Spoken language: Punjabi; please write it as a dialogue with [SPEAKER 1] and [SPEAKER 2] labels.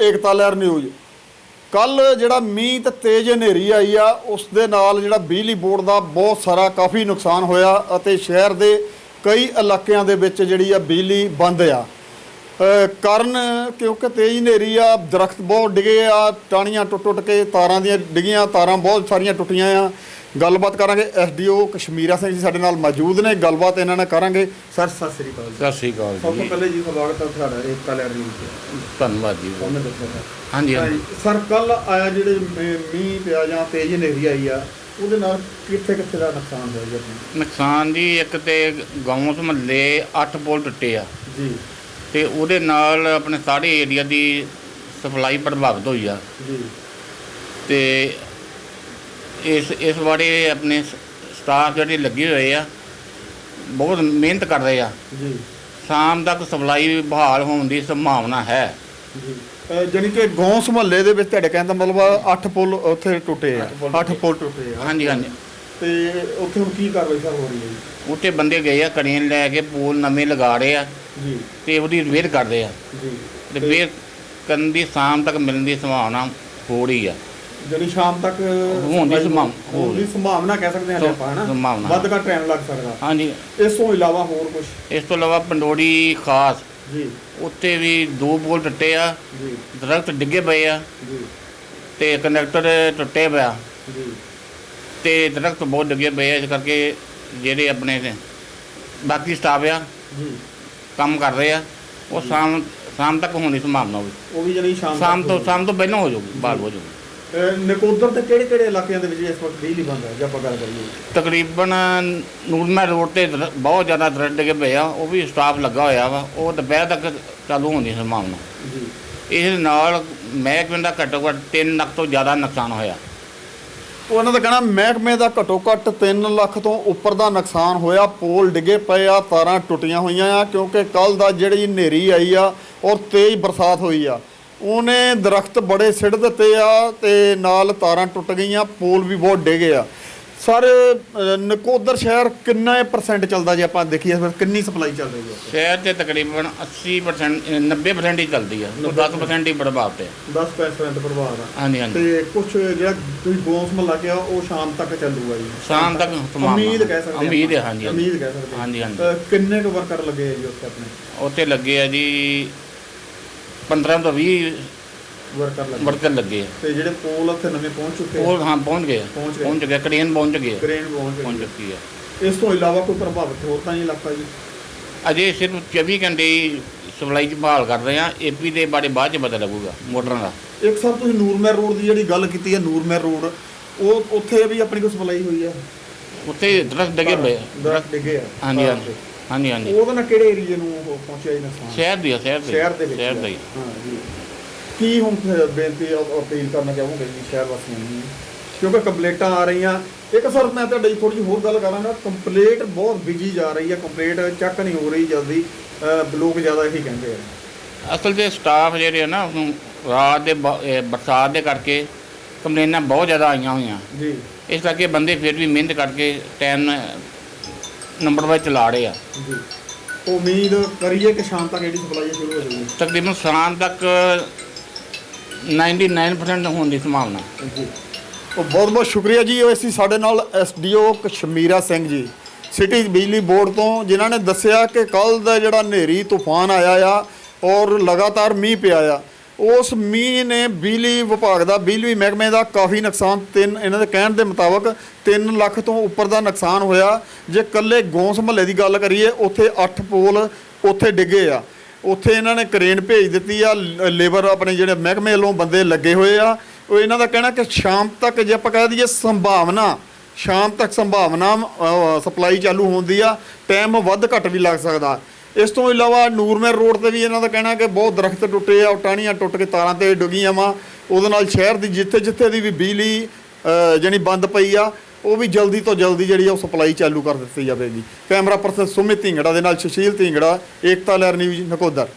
[SPEAKER 1] ਏਕਤਾ ਲਹਿਰ ਨਿਊਜ਼। ਕੱਲ ਜਿਹੜਾ ਮੀਂਹ ਤੇ ਤੇਜ਼ ਹਨੇਰੀ ਆਈ ਆ ਉਸ ਦੇ ਨਾਲ ਜਿਹੜਾ ਬਿਜਲੀ ਬੋਰਡ ਦਾ ਬਹੁਤ ਸਾਰਾ ਕਾਫੀ ਨੁਕਸਾਨ ਹੋਇਆ ਅਤੇ ਸ਼ਹਿਰ ਦੇ ਕਈ ਇਲਾਕਿਆਂ ਦੇ ਵਿੱਚ ਜਿਹੜੀ ਆ ਬਿਜਲੀ ਬੰਦ ਆ। ਕਾਰਨ ਕਿਉਂਕਿ ਤੇਜ਼ ਹਨੇਰੀ ਆ, ਦਰਖਤ ਬਹੁਤ ਡਿੱਗੇ ਆ, ਟਾਹਣੀਆਂ ਟੁੱਟ ਕੇ ਤਾਰਾਂ ਦੀਆਂ ਡਿੱਗੀਆਂ, ਤਾਰਾਂ ਬਹੁਤ ਸਾਰੀਆਂ ਟੁੱਟੀਆਂ ਆ। ਗੱਲਬਾਤ ਕਰਾਂਗੇ, ਐਸਡੀਓ ਕਸ਼ਮੀਰਾ ਸਿੰਘ ਜੀ ਸਾਡੇ ਨਾਲ ਮੌਜੂਦ ਨੇ, ਗੱਲਬਾਤ ਇਹਨਾਂ ਨਾਲ ਕਰਾਂਗੇ। ਸਰ ਸਤਿ ਸ੍ਰੀ ਅਕਾਲ।
[SPEAKER 2] ਸਤਿ ਸ੍ਰੀ ਅਕਾਲ
[SPEAKER 1] ਸਭ ਤੋਂ ਪਹਿਲੇ ਜੀ ਸਵਾਗਤ ਹੈ ਤੁਹਾਡਾ ਏਕਤਾ ਲਹਿਰ ਨਿਊਜ਼।
[SPEAKER 2] ਧੰਨਵਾਦ ਜੀ।
[SPEAKER 1] ਉਹਨੇ ਦੱਸਿਆ
[SPEAKER 2] ਹਾਂਜੀ ਹਾਂਜੀ
[SPEAKER 1] ਸਰ, ਕੱਲ ਆਇਆ ਜਿਹੜੇ ਮੀਂਹ ਪਿਆ ਜਾਂ ਤੇਜ਼ ਹਨੇਰੀ ਆਈ ਆ ਉਹਦੇ ਨਾਲ ਕਿੱਥੇ ਕਿੱਥੇ ਦਾ ਨੁਕਸਾਨ ਹੋਇਆ ਜੀ ਆਪਣਾ?
[SPEAKER 2] ਨੁਕਸਾਨ ਜੀ, ਇੱਕ ਤੇ ਗੌਂਸ ਮਹੱਲੇ 8 ਪੁਲ ਟੁੱਟੇ ਆ
[SPEAKER 1] ਜੀ,
[SPEAKER 2] ਤੇ ਉਹਦੇ ਨਾਲ ਆਪਣੇ ਸਾਰੇ ਏਰੀਆ ਦੀ ਸਪਲਾਈ ਪ੍ਰਭਾਵਿਤ ਹੋਈ ਆ
[SPEAKER 1] ਜੀ।
[SPEAKER 2] ਤੇ ਇਸ ਬਾਰੇ ਆਪਣੇ ਸਟਾਫ ਜਿਹੜੇ ਲੱਗੇ ਹੋਏ ਆ ਬਹੁਤ ਮਿਹਨਤ ਕਰ ਰਹੇ ਆ
[SPEAKER 1] ਜੀ।
[SPEAKER 2] ਸ਼ਾਮ ਤੱਕ ਸਪਲਾਈ ਬਹਾਲ ਹੋਣ ਦੀ ਸੰਭਾਵਨਾ ਹੈ
[SPEAKER 1] ਜੀ, ਜਾਣੀ ਕਿ ਗੌਂਸ ਮਹੱਲੇ ਦੇ ਵਿੱਚ ਤੁਹਾਡੇ ਕਹਿਣ ਦਾ ਮਤਲਬ 8 ਪੁਲ ਉੱਥੇ ਟੁੱਟੇ ਆ। 8 ਪੁਲ ਟੁੱਟੇ ਆ।
[SPEAKER 2] ਹਾਂਜੀ ਹਾਂਜੀ।
[SPEAKER 1] ਤੇ ਉੱਥੇ ਹੁਣ ਕੀ ਕਾਰਵਾਈ ਸਰ ਹੋ ਰਹੀ ਹੈ ਜੀ?
[SPEAKER 2] ਉੱਥੇ ਬੰਦੇ ਗਏ ਆ, ਕੜੀਆਂ ਲੈ ਕੇ ਪੋਲ ਨਵੇਂ ਲਗਾ ਰਹੇ ਆ
[SPEAKER 1] ਜੀ,
[SPEAKER 2] ਤੇ ਉਹਦੀ ਰਿਪੇਅਰ ਕਰਦੇ ਆ।
[SPEAKER 1] ਜੀ।
[SPEAKER 2] ਰਿਪੇਅਰ ਕਰਨ ਦੀ ਸ਼ਾਮ ਤੱਕ ਮਿਲਣ ਦੀ ਸੰਭਾਵਨਾ ਹੋ ਰਹੀ ਆ।
[SPEAKER 1] ਜਿਹੜੀ ਸ਼ਾਮ ਤੱਕ
[SPEAKER 2] ਹੋਣ ਦੀ
[SPEAKER 1] ਸੰਭਾਵਨਾ ਕਹਿ ਸਕਦੇ ਹਾਂ ਆਪਾਂ, ਹਨਾ?
[SPEAKER 2] ਸੰਭਾਵਨਾ
[SPEAKER 1] ਵੱਧ ਘੱਟ ਟਾਈਮ ਲੱਗ ਸਕਦਾ।
[SPEAKER 2] ਹਾਂਜੀ।
[SPEAKER 1] ਇਸ ਤੋਂ ਇਲਾਵਾ ਹੋਰ ਕੁਝ?
[SPEAKER 2] ਇਸ ਤੋਂ ਇਲਾਵਾ ਪੰਡੋਰੀ ਖਾਸ
[SPEAKER 1] ਜੀ,
[SPEAKER 2] ਉੱਤੇ ਵੀ 2 ਪੋਲ ਟੁੱਟੇ ਆ,
[SPEAKER 1] ਜੀ,
[SPEAKER 2] ਦਰਖਤ ਡਿੱਗੇ ਪਏ ਆ
[SPEAKER 1] ਜੀ,
[SPEAKER 2] ਤੇ ਕੰਡਕਟਰ ਟੁੱਟੇ ਪਿਆ
[SPEAKER 1] ਜੀ।
[SPEAKER 2] ਤੇ ਦਰਖਤ ਬਹੁਤ ਡਿੱਗੇ ਪਏ ਆ। ਇਸ ਕਰਕੇ ਜਿਹੜੇ ਆਪਣੇ ਬਾਕੀ ਸਟਾਫ ਆ
[SPEAKER 1] ਜੀ
[SPEAKER 2] ਕੰਮ ਕਰ ਰਹੇ ਆ, ਉਹ ਸ਼ਾਮ ਤੱਕ ਹੋਣ ਦੀ ਸੰਭਾਵਨਾ ਹੋਵੇ।
[SPEAKER 1] ਉਹ ਵੀ ਜਿਹੜੀ
[SPEAKER 2] ਸ਼ਾਮ ਤੋਂ ਪਹਿਲਾਂ ਹੋ ਜਾਊਗੀ, ਬਾਹਰ ਹੋ ਜਾਊਗੀ।
[SPEAKER 1] ਨਕੋਦਰ ਤੇ ਕਿਹੜੇ ਕਿਹੜੇ ਇਲਾਕਿਆਂ ਦੇ ਵਿੱਚ ਇਸ ਵਕਤ ਬਿਜਲੀ ਬੰਦ ਹੈ ਜੇ ਆਪਾਂ ਗੱਲ ਕਰੀਏ?
[SPEAKER 2] ਤਕਰੀਬਨ ਨੂਰਮਹਿਲ ਰੋਡ ਤੇ ਬਹੁਤ ਜ਼ਿਆਦਾ ਦਰਖਤ ਡਿੱਗੇ ਪਏ ਆ, ਉਹ ਵੀ ਸਟਾਫ ਲੱਗਾ ਹੋਇਆ ਵਾ, ਉਹ ਦੁਪਹਿਰ ਤੱਕ ਚਾਲੂ ਹੋਣ ਦੀ ਸੰਭਾਵਨਾ।
[SPEAKER 1] ਜੀ।
[SPEAKER 2] ਇਸ ਨਾਲ ਮਹਿਕਮੇ ਦਾ ਘੱਟੋ ਘੱਟ 3 ਲੱਖ ਤੋਂ ਜ਼ਿਆਦਾ ਨੁਕਸਾਨ ਹੋਇਆ।
[SPEAKER 1] ਉਹਨਾਂ ਦਾ ਕਹਿਣਾ ਮਹਿਕਮੇ ਦਾ ਘੱਟੋ ਘੱਟ 3 ਲੱਖ ਤੋਂ ਉੱਪਰ ਦਾ ਨੁਕਸਾਨ ਹੋਇਆ। ਪੋਲ ਡਿੱਗੇ ਪਏ ਆ, ਤਾਰਾਂ ਟੁੱਟੀਆਂ ਹੋਈਆਂ ਆ, ਕਿਉਂਕਿ ਕੱਲ ਦਾ ਜਿਹੜੀ ਹਨੇਰੀ ਆਈ ਆ ਔਰ ਤੇਜ਼ ਬਰਸਾਤ ਹੋਈ ਆ, ਉਹਨੇ ਦਰਖਤ ਬੜੇ ਸਿੱਟ ਦਿੱਤੇ ਆ ਤੇ ਨਾਲ ਤਾਰਾਂ ਟੁੱਟ ਗਈਆਂ, ਪੋਲ ਵੀ ਬਹੁਤ ਡਿੱਗੇ ਆ। ਸਰ, ਨਕੋਦਰ ਸ਼ਹਿਰ ਕਿੰਨਾ % ਚੱਲਦਾ ਜੇ ਆਪਾਂ ਦੇਖੀਏ, ਫਿਰ ਕਿੰਨੀ ਸਪਲਾਈ ਚੱਲ ਰਹੀ ਹੈ
[SPEAKER 2] ਸ਼ਹਿਰ 'ਚ? ਤਕਰੀਬਨ 80% 90% ਹੀ ਚੱਲਦੀ ਆ, 10% ਹੀ ਪ੍ਰਭਾਵ ਤੇ।
[SPEAKER 1] 10% ਪ੍ਰਭਾਵ ਆ।
[SPEAKER 2] ਹਾਂਜੀ ਹਾਂਜੀ।
[SPEAKER 1] ਤੇ ਕੁਝ ਜਿਹੜਾ ਤੁਸੀਂ ਗੌਂਸ ਮਹੱਲਾ ਕਿਹਾ ਉਹ ਸ਼ਾਮ ਤੱਕ ਚੱਲੂਗਾ ਜੀ?
[SPEAKER 2] ਸ਼ਾਮ ਤੱਕ
[SPEAKER 1] ਉਮੀਦ ਕਹਿ ਸਕਦੇ ਹਾਂ।
[SPEAKER 2] ਉਮੀਦ ਹੈ, ਹਾਂਜੀ
[SPEAKER 1] ਉਮੀਦ ਕਹਿ ਸਕਦੇ
[SPEAKER 2] ਹਾਂਜੀ ਹਾਂਜੀ।
[SPEAKER 1] ਕਿੰਨੇ ਕੁ ਵਰਕਰ ਲੱਗੇ ਆ ਜੀ ਉੱਥੇ ਆਪਣੇ?
[SPEAKER 2] ਉੱਥੇ ਲੱਗੇ ਆ ਜੀ 15 ਤੋਂ 20 ਵਰਕਰ ਲੱਗੇ ਆ।
[SPEAKER 1] ਤੇ ਜਿਹੜੇ ਪੋਲ ਉੱਥੇ ਨਵੇਂ ਪਹੁੰਚ ਚੁੱਕੇ
[SPEAKER 2] ਉਹ ਹਾਂ ਪਹੁੰਚ ਗਏ, ਕ੍ਰੇਨ ਪਹੁੰਚ ਗਏ,
[SPEAKER 1] ਪਹੁੰਚ
[SPEAKER 2] ਚੁੱਕੀ ਆ।
[SPEAKER 1] ਇਸ ਤੋਂ ਇਲਾਵਾ ਕੋਈ ਪ੍ਰਭਾਵਿਤ ਹੋਰ ਤਾਂ ਨਹੀਂ ਇਲਾਕਾ ਜੀ?
[SPEAKER 2] ਅਜੇ ਸਿਰਫ 24 ਘੰਟੇ ਹੀ ਸਪਲਾਈ 'ਚ ਬਹਾਲ ਕਰ ਰਹੇ ਆ। ਏਪੀ ਦੇ ਬਾਰੇ ਬਾਅਦ 'ਚ ਪਤਾ ਲੱਗੂਗਾ ਮੋਟਰਾਂ ਦਾ।
[SPEAKER 1] ਇੱਕ ਸਰ, ਤੁਸੀਂ ਨੂਰਮਹਿਰ ਰੋਡ ਦੀ ਜਿਹੜੀ ਗੱਲ ਕੀਤੀ ਹੈ, ਨੂਰਮਹਿਰ ਰੋਡ ਉਹ ਉੱਥੇ ਵੀ ਆਪਣੀ ਕੋਈ ਸਪਲਾਈ ਹੋਈ ਆ?
[SPEAKER 2] ਉੱਥੇ ਦਰਖਤ ਡਿੱਗੇ ਪਏ ਆ।
[SPEAKER 1] ਦਰਖਤ ਡਿੱਗੇ ਆ?
[SPEAKER 2] ਹਾਂਜੀ ਹਾਂਜੀ ਹਾਂਜੀ ਹਾਂਜੀ।
[SPEAKER 1] ਉਹਦੇ ਨਾਲ ਕਿਹੜੇ ਏਰੀਏ ਨੂੰ ਉਹ ਪਹੁੰਚਿਆ ਜੀ ਨੁਕਸਾਨ?
[SPEAKER 2] ਸ਼ਹਿਰ ਦੇ
[SPEAKER 1] ਵਿੱਚ।
[SPEAKER 2] ਸ਼ਹਿਰ ਦਾ ਹੀ।
[SPEAKER 1] ਹਾਂ ਜੀ। ਕੀ ਹੁਣ ਬੇਨਤੀ ਅਪੀਲ ਕਰਨਾ ਚਾਹੋਗੇ ਜੀ ਸ਼ਹਿਰ ਵਾਸੀਆਂ ਨੂੰ, ਕਿਉਂਕਿ ਕੰਪਲੇਂਟਾਂ ਆ ਰਹੀਆਂ? ਇੱਕ ਸਰ, ਮੈਂ ਤੁਹਾਡੀ ਥੋੜ੍ਹੀ ਜਿਹੀ ਹੋਰ ਗੱਲ ਕਰਾਂਗਾ। ਕੰਪਲੇਂਟ ਬਹੁਤ ਬਿਜੀ ਜਾ ਰਹੀ ਹੈ, ਕੰਪਲੇਂਟ ਚੱਕ ਨਹੀਂ ਹੋ ਰਹੀ ਜਲਦੀ, ਲੋਕ ਜ਼ਿਆਦਾ ਇਹੀ ਕਹਿੰਦੇ ਆ।
[SPEAKER 2] ਅਸਲ 'ਚ ਸਟਾਫ ਜਿਹੜੇ ਆ ਨਾ, ਰਾਤ ਦੇ ਬਰਸਾਤ ਦੇ ਕਰਕੇ ਕੰਪਲੇਨਾਂ ਬਹੁਤ ਜ਼ਿਆਦਾ ਆਈਆਂ ਹੋਈਆਂ
[SPEAKER 1] ਜੀ।
[SPEAKER 2] ਇਸ ਕਰਕੇ ਬੰਦੇ ਫਿਰ ਵੀ ਮਿਹਨਤ ਕਰਕੇ ਟਾਈਮ ਨੰਬਰ ਵਾਈਜ਼ ਚਲਾ ਰਹੇ ਆ
[SPEAKER 1] ਜੀ। ਉਮੀਦ ਕਰੀਏ ਕਿ ਸ਼ਾਮ ਤੱਕ ਜਿਹੜੀ ਸਪਲਾਈ ਸ਼ੁਰੂ ਹੋ ਜਾਊਗੀ?
[SPEAKER 2] ਤਕਰੀਬਨ ਸ਼ਾਮ ਤੱਕ 99% ਹੋਣ ਦੀ ਸੰਭਾਵਨਾ।
[SPEAKER 1] ਜੀ। ਉਹ ਬਹੁਤ ਬਹੁਤ ਸ਼ੁਕਰੀਆ ਜੀ। ਉਹ ਅਸੀਂ ਸਾਡੇ ਨਾਲ ਐਸਡੀਓ ਕਸ਼ਮੀਰਾ ਸਿੰਘ ਜੀ ਸਿਟੀ ਬਿਜਲੀ ਬੋਰਡ ਤੋਂ, ਜਿਨ੍ਹਾਂ ਨੇ ਦੱਸਿਆ ਕਿ ਕੱਲ ਦਾ ਜਿਹੜਾ ਹਨੇਰੀ ਤੂਫਾਨ ਆਇਆ ਆ ਔਰ ਲਗਾਤਾਰ ਮੀਂਹ ਪਿਆ ਆ, ਉਸ ਮੀਂਹ ਨੇ ਬਿਜਲੀ ਵਿਭਾਗ ਦਾ, ਬਿਜਲੀ ਮਹਿਕਮੇ ਦਾ ਕਾਫੀ ਨੁਕਸਾਨ, ਇਹਨਾਂ ਦੇ ਕਹਿਣ ਦੇ ਮੁਤਾਬਕ 3 ਲੱਖ ਤੋਂ ਉੱਪਰ ਦਾ ਨੁਕਸਾਨ ਹੋਇਆ। ਜੇ ਇਕੱਲੇ ਗੌਂਸ ਮਹੱਲੇ ਦੀ ਗੱਲ ਕਰੀਏ, ਉੱਥੇ 8 ਪੋਲ ਉੱਥੇ ਡਿੱਗੇ ਆ। ਉੱਥੇ ਇਹਨਾਂ ਨੇ ਕ੍ਰੇਨ ਭੇਜ ਦਿੱਤੀ ਆ, ਲੇਬਰ ਆਪਣੇ ਜਿਹੜੇ ਮਹਿਕਮੇ ਵੱਲੋਂ ਬੰਦੇ ਲੱਗੇ ਹੋਏ ਆ। ਉਹ ਇਹਨਾਂ ਦਾ ਕਹਿਣਾ ਕਿ ਸ਼ਾਮ ਤੱਕ, ਜੇ ਆਪਾਂ ਕਹਿ ਦਈਏ ਸੰਭਾਵਨਾ, ਸ਼ਾਮ ਤੱਕ ਸੰਭਾਵਨਾ ਸਪਲਾਈ ਚਾਲੂ ਹੋਣ ਦੀ ਆ। ਟਾਈਮ ਵੱਧ ਘੱਟ ਵੀ ਲੱਗ ਸਕਦਾ। ਇਸ ਤੋਂ ਇਲਾਵਾ ਨੂਰਮਹਿਰ ਰੋਡ ਤੇ ਵੀ ਇਹਨਾਂ ਦਾ ਕਹਿਣਾ ਕਿ ਬਹੁਤ ਦਰਖਤ ਟੁੱਟੇ ਆ, ਟਾਹਣੀਆਂ ਟੁੱਟ ਕੇ ਤਾਰਾਂ ਤੇ ਡਿੱਗੀਆਂ ਵਾ। ਉਹਦੇ ਨਾਲ ਸ਼ਹਿਰ ਦੀ ਜਿੱਥੇ ਦੀ ਵੀ ਬਿਜਲੀ ਜਿਹੜੀ ਬੰਦ ਪਈ ਆ, ਉਹ ਵੀ ਜਲਦੀ ਤੋਂ ਜਲਦੀ ਜਿਹੜੀ ਉਹ ਸਪਲਾਈ ਚਾਲੂ ਕਰ ਦਿੱਤੀ ਜਾਵੇਗੀ। ਕੈਮਰਾ ਪਰਸਨ ਸੁਮਿਤ ਢਿੰਗੜਾ ਦੇ ਨਾਲ ਸੁਸ਼ੀਲ ਢਿੰਗੜਾ, ਏਕਤਾ ਲਹਿਰ ਨਿਊਜ਼, ਨਕੋਦਰ।